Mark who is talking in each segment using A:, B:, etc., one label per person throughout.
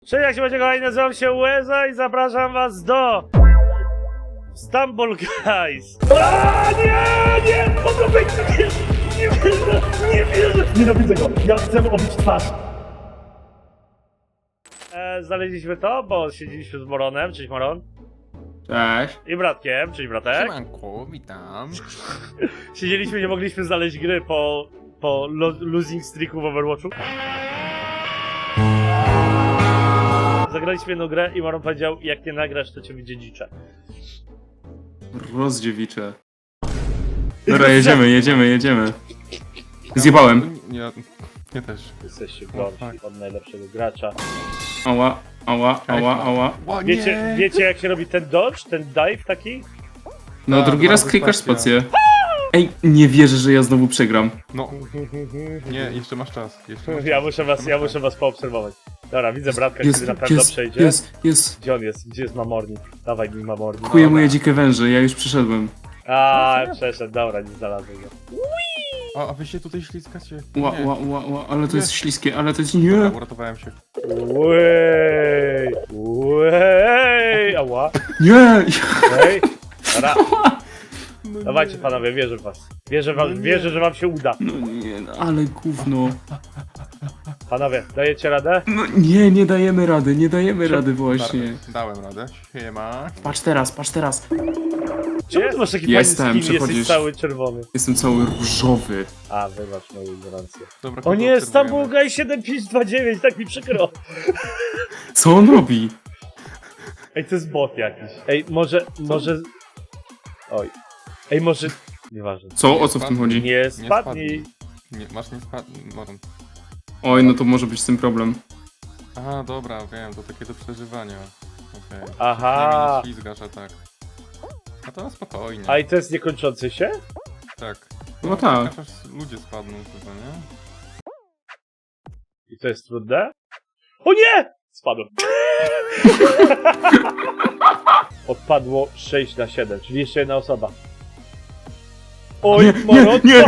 A: Cześć, jak się będzie kochani, nazywam się Łeza i zapraszam was do Stumble Guys. Nie, on to będzie, nie wierzę, nienawidzę go, ja chcę obić twarz. Znaleźliśmy to, bo siedzieliśmy z Moronem, cześć Moron.
B: Cześć.
A: I bratkiem, cześć bratek.
B: Siemanku, witam.
A: Siedzieliśmy, nie mogliśmy znaleźć gry po losing streaku w Overwatchu. Zagraliśmy jedną grę i Moron powiedział, jak nie nagrasz, to cię wydziedziczę.
B: Rozdziewicze. Dobra, jedziemy. Zjebałem.
C: Ja też.
A: Jesteście gorsi od najlepszego gracza.
B: Ała.
C: O,
A: Wiecie jak się robi ten dodge, ten dive taki?
B: No
C: Tak,
B: drugi raz
C: bardzo
B: klikasz
C: spację.
B: spację. Ej, nie wierzę, że ja znowu przegram.
C: No, nie, jeszcze masz czas.
A: Ja muszę was poobserwować. Dobra, widzę bratka, który na pewno przejdzie.
B: Jest.
A: Gdzie on jest? Gdzie jest Mamornik? Dawaj mi Mamornik.
B: Kuję moje dzikie węże, ja już przeszedłem.
A: Przeszedł, dobra, nie znalazłem go.
C: A wy się tutaj ślizgacie?
B: Ła, ale to
C: Nie.
B: jest śliskie, ale to jest
C: Dobra,
B: nie.
C: uratowałem się.
A: Wej, ała.
B: Nie!
A: Ej, dobra. Dawajcie panowie, wierzę w was. Wierzę, że wam się uda.
B: No nie, no, ale gówno.
A: Panowie, dajecie radę?
B: No nie dajemy rady właśnie.
C: Dałem radę. Siema.
B: Patrz teraz.
A: Czemu ty masz taki
B: Jestem,
A: fajny skin, jesteś
B: przechodzisz.
A: cały czerwony?
B: Jestem cały różowy.
A: Wybacz moją ignorancję.
C: Dobra,
A: O
C: kogo
A: nie, Stumble
C: obserwujemy?
A: Guy 7529, tak mi przykro.
B: Co on robi?
A: Ej, to jest bot jakiś. Ej, może... Oj. Ej, może... Nieważne.
B: Co? O co w tym chodzi?
A: Nie spadnij.
C: Masz nie spadnij. Moron.
B: Oj, no to może być z tym problem.
C: A, dobra, wiem, to takie do przeżywania. Okej.
A: Aha.
C: Nie ślizgasz, a tak. A to spokojnie.
A: A i to jest niekończący się?
C: Tak.
B: No tak.
C: Aż ludzie spadną chyba, nie?
A: I to jest trudne? O nie! Spadłem. Odpadło 6 na 7, czyli jeszcze jedna osoba. Oj, Moron!
B: Nie!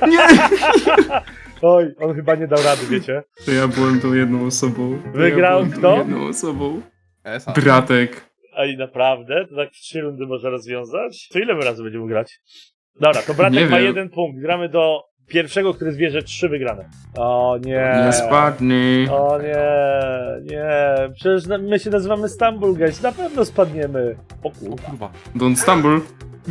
A: Oj, on chyba nie dał rady, wiecie?
B: To ja byłem tą jedną osobą.
A: Wygrał
B: byłem tą
A: kto?
B: jedną osobą.
C: Esa.
B: Bratek.
A: Ej, naprawdę? To tak w 3 rundy można rozwiązać? To ile my razy będziemy grać? Dobra, to bratek
B: Nie
A: ma
B: wiem.
A: 1 punkt. Gramy do pierwszego, który zbierze 3 wygrane. O nie.
B: Nie spadnij.
A: O nie. Przecież my się nazywamy Stumble Guys. Na pewno spadniemy. O
C: O
A: kurwa.
C: kurwa.
B: Don't stumble.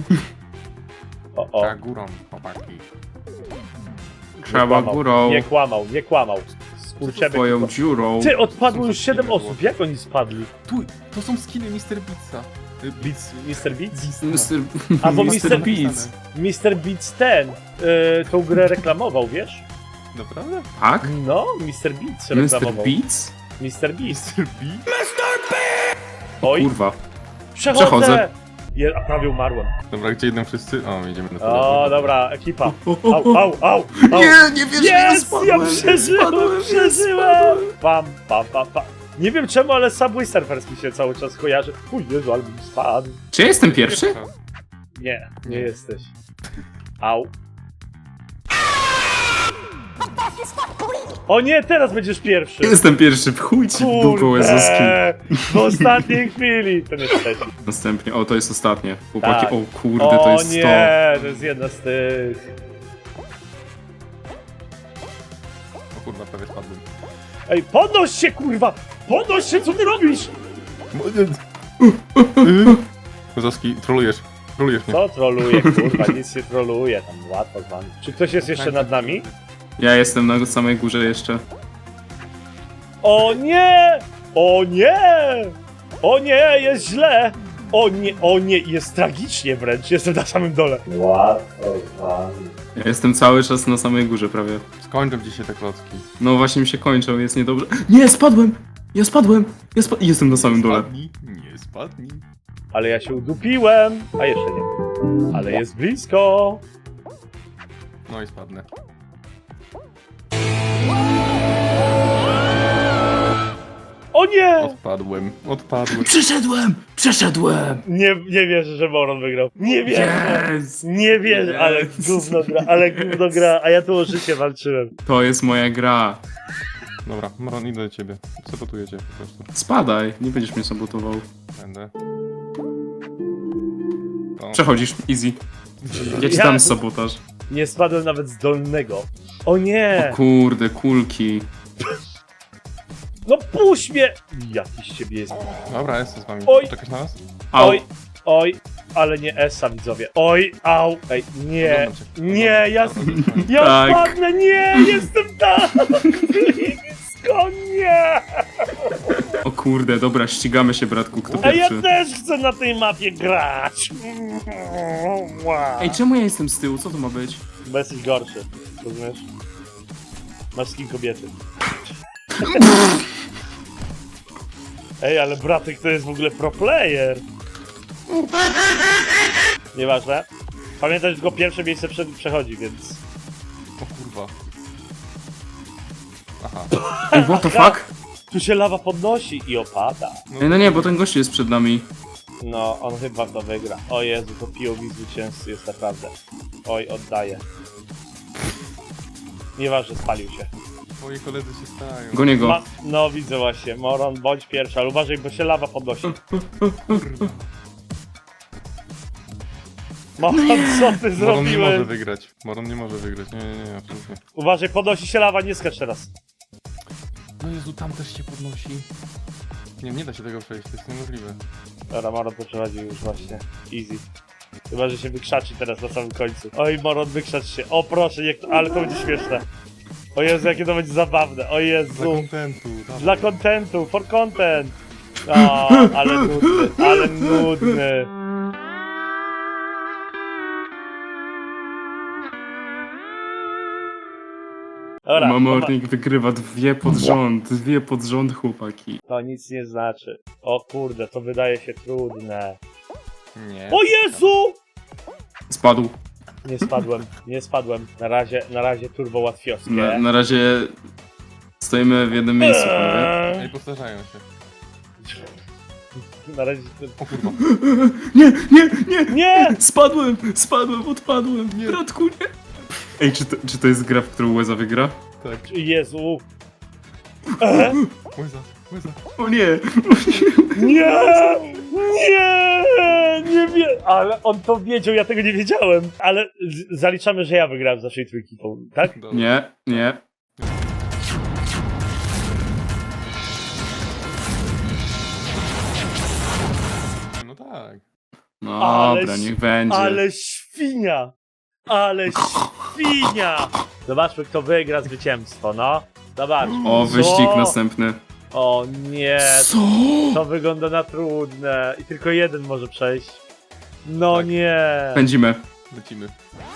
A: O.
C: Tak, górą, chłopaki.
B: Trzeba górą.
A: Nie kłamał. Skurczemy.
B: Twoją dziurą.
A: Ty, odpadło
C: Są
A: już 7
C: skiny
A: osób. Jak oni spadli?
C: Tu, to są skiny Mr. Beatsa.
A: Mr. Beats?
B: Mr.
A: Albo
B: Mr. Beats.
A: Mr. Beats ten tą grę reklamował, wiesz?
C: Naprawdę?
B: Tak?
A: No, Mr. Beats
B: Mr.
A: reklamował.
B: Beats?
A: Mr. Beast.
C: Mr. Beat?
A: Oj,
B: Kurwa.
A: przechodzę!
B: przechodzę.
A: A prawie umarłem.
C: Dobra, gdzie idą wszyscy? O, jedziemy na
A: O, dobra, ekipa.
B: O.
A: Au.
B: Nie wierzę, że ja
A: Jest!
B: spadłem.
A: Ja przeżyłem! Pam. Nie wiem czemu, ale Subway Surfers mi się cały czas kojarzy. Uj, Jezu, ale bym spadł.
B: Czy ja jestem pierwszy?
A: Nie jesteś. Au. O nie, teraz będziesz pierwszy.
B: Jestem pierwszy, w chuj ci w dupę łezowski.
A: W ostatniej chwili. To nie trzeci.
B: Następnie, to jest ostatnie. Chłopaki,
A: Tak.
B: o kurde, to jest
A: nie, to jest jedna z tych.
C: O kurwa, prawie spadłem.
A: Ej, podnoś się, kurwa! Podnoś się, co ty robisz?
C: Kozowski, trolujesz mnie.
A: Co troluje, kurwa, nic nie troluje, tam łatwo z wami. Czy ktoś jest jeszcze nad nami?
B: Ja jestem na samej górze jeszcze.
A: O nie! O nie! O nie, jest źle! O nie, jest tragicznie wręcz, jestem na samym dole. Łatwo z wami.
B: Ja jestem cały czas na samej górze prawie.
C: Skończą dzisiaj te klocki.
B: No właśnie mi się kończą, jest niedobrze. Nie, spadłem! Ja spadłem! Jestem na samym dole.
C: Spadnij, nie spadnij.
A: Ale ja się udupiłem, a jeszcze nie. Ale jest blisko.
C: No i spadnę.
A: O nie!
C: Odpadłem.
B: Przeszedłem!
A: Nie wierzę, że Moron wygrał. Nie wierzę!
B: Yes!
A: Nie wierzę, ale gówno gra, a ja tu o życie walczyłem.
B: To jest moja gra.
C: Dobra, Moron, idę do ciebie. Sabotuję cię po prostu.
B: Spadaj, nie będziesz mnie sabotował.
C: Będę. O,
B: Przechodzisz, easy. Ja ci
A: Ja-
B: dam sabotaż.
A: Nie spadłem nawet z dolnego. O nie!
B: Kurde, kulki.
A: No puść mnie! Jakiś z ciebie jest.
C: Dobra, jestem z wami.
A: Oj.
C: Czekasz na nas?
B: Au.
A: Oj, oj, ale nie Esa, widzowie. Oj, au, ej, nie,
C: Oglądam cię.
A: nie, ja,
C: Dobra, to jest fajnie.
A: ja
B: Tak.
A: spadnę, nie, jestem tam! Blisko, nie!
B: O kurde, dobra, ścigamy się, bratku, kto
A: A ja
B: pierwszy.
A: też chcę na tej mapie grać! Wow.
B: Ej, czemu ja jestem z tyłu? Co to ma być?
A: Bo jesteś gorszy, rozumiesz? Masz skin kobiety. Ej, ale bratek to jest w ogóle pro player. Nieważne. Pamiętaj, że tylko pierwsze miejsce przechodzi, więc...
C: O kurwa. Aha.
B: Ej, what the fuck?
A: Tu się lawa podnosi i opada.
B: Ej, no nie, bo ten gościu jest przed nami.
A: No, on chyba to wygra. O Jezu, to POV zwycięzcy jest naprawdę. Oj, oddaję. Nieważne, spalił się.
C: Twoi koledzy się stają.
B: Gonię go.
A: No, widzę właśnie. Moron, bądź pierwszy, ale uważaj, bo się lawa podnosi. Moron, co ty
C: Moron nie może
A: zrobiłeś?
C: wygrać. Moron nie może wygrać. Nie, absolutnie.
A: Uważaj, podnosi się lawa, nie skacz teraz.
C: No Jezu, tam też się podnosi. Nie da się tego przejść, to jest niemożliwe.
A: Dobra, Moron to przechodzi już właśnie. Easy. Chyba, że się wykrzaczy teraz na samym końcu. Oj, Moron, wykrzacz się. O proszę, ale to będzie śmieszne. O Jezu, jakie to będzie zabawne. O
C: Dla
A: Jezu.
C: kontentu. dawaj.
A: Dla kontentu, for content. O, ale nudny, ale nudny. Dobra,
B: Mamornik wygrywa dwie pod rząd, chłopaki.
A: to nic nie znaczy. O kurde, to wydaje się trudne.
C: Nie.
A: O Jezu!
B: Spadł.
A: Nie spadłem. Na razie turbo łatwiowskie.
B: Na razie stoimy w jednym miejscu, panowie.
C: Ej, powtarzają się.
A: Na razie...
C: O kurwa.
B: Nie!
A: Nie!
B: Spadłem, odpadłem. Bratku, nie. Ej, czy to jest gra, w którą Łeza wygra?
C: Tak.
A: Jezu!
C: Łyza.
B: O nie!
A: Nie! Nie wiem! Ale on to wiedział, ja tego nie wiedziałem. Ale zaliczamy, że ja wygrałem z naszej trójki, tak?
C: Dobra.
B: Nie.
C: No tak.
B: No
A: Ale
B: dobra, niech będzie.
A: Ale świnia! Ale świnia! Zobaczmy, kto wygra zwycięstwo, no. Zobacz.
B: O, wyścig
A: O!
B: następny.
A: O nie,
B: Co?
A: to wygląda na trudne. I tylko jeden może przejść. No
C: Tak.
A: nie.
B: Pędzimy.
C: Lecimy.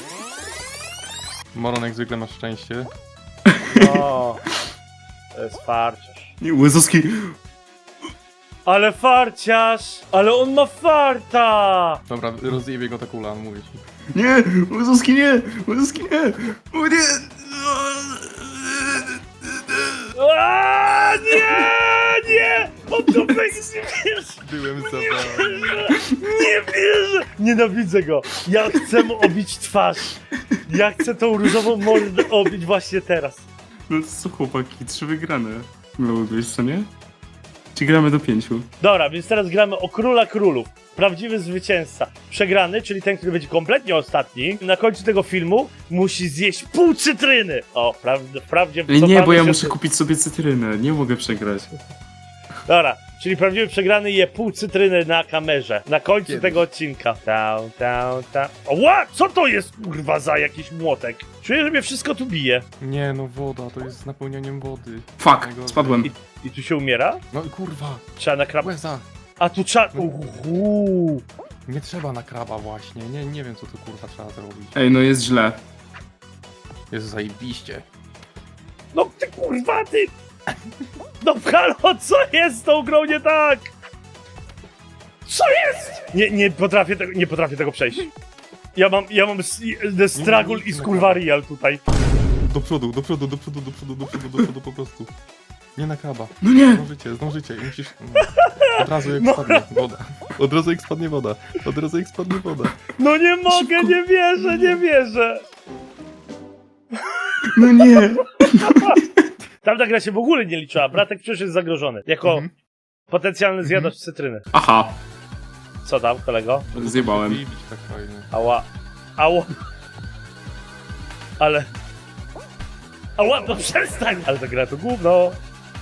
C: Moron, jak zwykle masz szczęście.
A: O, to jest farciarz.
B: Nie, Łezowski.
A: Ale farciarz! Ale on ma farta!
C: Dobra, rozjebie go ta kula, mówię ci.
B: Nie! Łezowski nie! O nie!
A: A, nie! On to będzie, nie wierzę!
C: Byłem zabawny.
A: Nie wierzę! Nienawidzę go! Ja chcę mu obić twarz! Ja chcę tą różową mordę obić właśnie teraz.
B: No co chłopaki, 3 wygrane. Miały co nie? Czy gramy do 5?
A: Dobra, więc teraz gramy o Króla Królów. Prawdziwy zwycięzca. Przegrany, czyli ten, który będzie kompletnie ostatni, na końcu tego filmu musi zjeść pół cytryny. O, wprawdzie...
B: Nie,
A: cofamy
B: bo ja
A: się-
B: muszę kupić sobie cytrynę. Nie mogę przegrać.
A: Dobra, czyli prawdziwy przegrany je pół cytryny na kamerze. Na końcu
C: Kiedyś.
A: tego odcinka. Tau. Ła! Co to jest kurwa za jakiś młotek? Czuję, że mnie wszystko tu bije.
C: Nie, no woda, to jest z napełnianiem wody.
B: Fuck,
C: Najgorzej.
B: spadłem.
A: I tu się umiera?
C: No i kurwa,
A: Trzeba na krab...
C: łeza.
A: A tu trzeba...
C: No.
A: Uhu.
C: Nie trzeba na kraba właśnie, nie wiem co tu kurwa trzeba zrobić.
B: Ej, no jest źle.
C: Jest zajebiście.
A: No ty kurwa, ty! No halo, co jest z tą grą nie tak? Co jest? Nie potrafię tego przejść. Ja mam the struggle i skurwa real tutaj.
C: Do przodu po prostu. Nie na kraba.
B: No nie!
C: Zdążycie i musisz... Od razu jak spadnie woda. Od razu jak spadnie woda.
A: No nie mogę, nie wierzę.
B: No nie!
A: Tamta gra się w ogóle nie liczyła. Bratek przecież jest zagrożony. Jako potencjalny zjadacz cytryny.
B: Aha,
A: Co tam, kolego?
B: zjebałem.
C: Bić tak fajnie.
A: Ała. Ała. Ale... Ała, no przestań! Ale ta gra to gówno.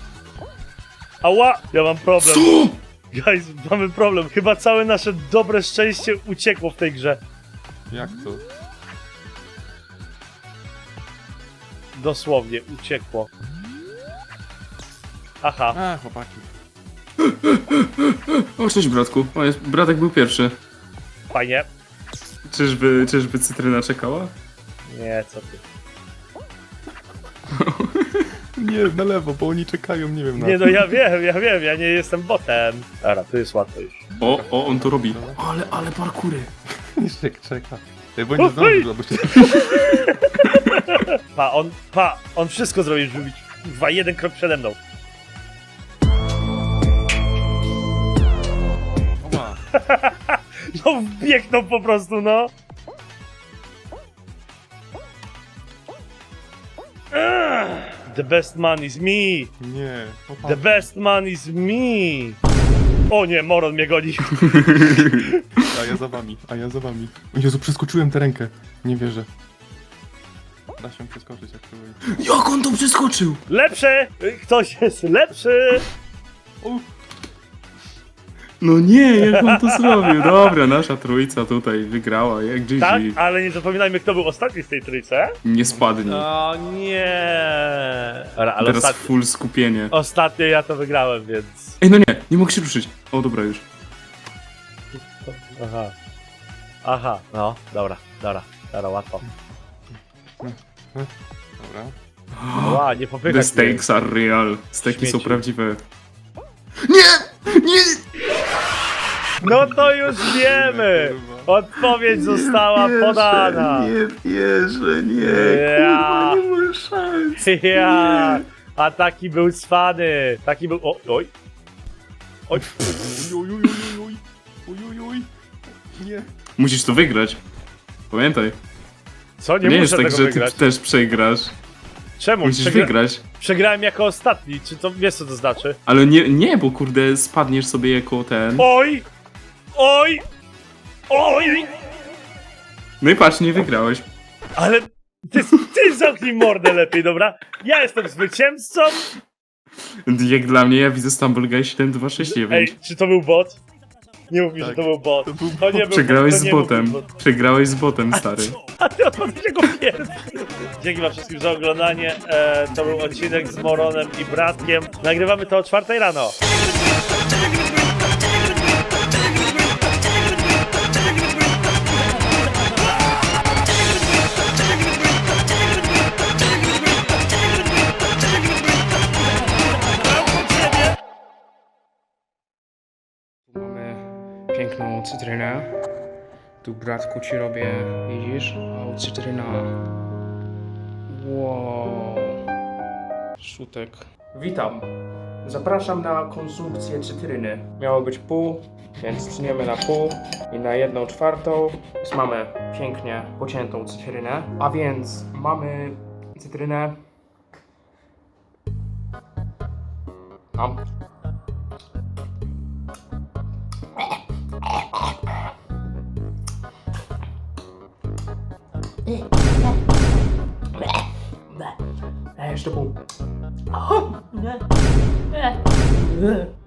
A: Ała! Ja mam problem.
B: Co?
A: Guys, mamy problem. Chyba całe nasze dobre szczęście uciekło w tej grze.
C: Jak to?
A: Dosłownie, uciekło. Aha.
C: A, chłopaki.
B: O, cześć bratku. O, jest, bratek był pierwszy.
A: Fajnie.
B: Czyżby cytryna czekała?
A: Nie, co ty.
C: Nie, na lewo, bo oni czekają, nie wiem na
A: Nie no, ja wiem, ja nie jestem botem. Dobra, tu jest łatwo już.
B: O, on to robi. Ale parkury.
C: Jeszcze czeka. Bo nie zdążył, bo się...
A: On wszystko zrobił, żeby być kurwa jeden krok przede mną.
C: Oła.
A: No wbiegną po prostu, no. The best man is me.
C: Nie,
A: The
C: chłopaki.
A: best man is me. O nie, Moron mnie goni.
C: A ja za wami. O Jezu, przeskoczyłem tę rękę. Nie wierzę. Da się przeskoczyć, jak próbuję.
B: Jak on to przeskoczył?
A: Lepszy! Ktoś jest lepszy!
C: O,
B: No nie, jak on to zrobił? Dobra, nasza trójca tutaj wygrała, jak GG.
A: Tak, ale nie zapominajmy, kto był ostatni z tej trójce.
B: Nie spadnie.
A: O nie! Dobra, ale
B: Teraz full skupienie.
A: ostatnio ja to wygrałem, więc...
B: Ej, no nie mogę się ruszyć. O, dobra już.
A: Aha, no, dobra, łatwo.
C: dobra.
A: Ła, nie
B: The
A: popychać mnie.
B: stakes are real. Steki są
A: Śmieci.
B: prawdziwe.
A: No to już wiemy! Odpowiedź została podana!
B: Nie wierzę, nie.
A: Ja.
B: Kurwa, nie ma szans.
A: Ja! A taki był cwany! Taki był... O, oj! Oj!
C: Oj. Nie.
B: Musisz to wygrać. Pamiętaj.
A: Co?
B: Nie
A: Nie
B: jest
A: muszę
B: tak,
A: tego
B: że ty
A: wygrać.
B: też przegrasz.
A: Czemu?
B: Musisz wygrać.
A: Przegrałem jako ostatni. Czy to wiesz co to znaczy?
B: Ale nie, bo kurde spadniesz sobie jako ten.
A: Oj! Oj! Oj!
B: No i patrz, nie wygrałeś.
A: Ale ty zamknij mordę lepiej, dobra? Ja jestem zwycięzcą!
B: Jak dla mnie, ja widzę Stumble Guy 7269.
A: Ej, czy to był bot? Nie mów mi, że
C: Tak.
A: to był bot.
C: To był
A: To nie był
B: Przegrałeś
A: bot,
B: z
A: to nie był
B: botem.
A: bot.
B: Przegrałeś z botem, stary.
A: A ty odpadłeś jako pierwszy. Dzięki wam wszystkim za oglądanie. To był odcinek z Moronem i Bratkiem. Nagrywamy to o 4 rano.
D: Tu mamy piękną cytrynę. Tu bratku ci robię, widzisz? O, cytryna. Wow. Szutek. Witam. Zapraszam na konsumpcję cytryny. Miało być pół, więc tniemy na pół i na 1/4. Więc mamy pięknie pociętą cytrynę. A więc mamy cytrynę. Mam. Jeszcze pół.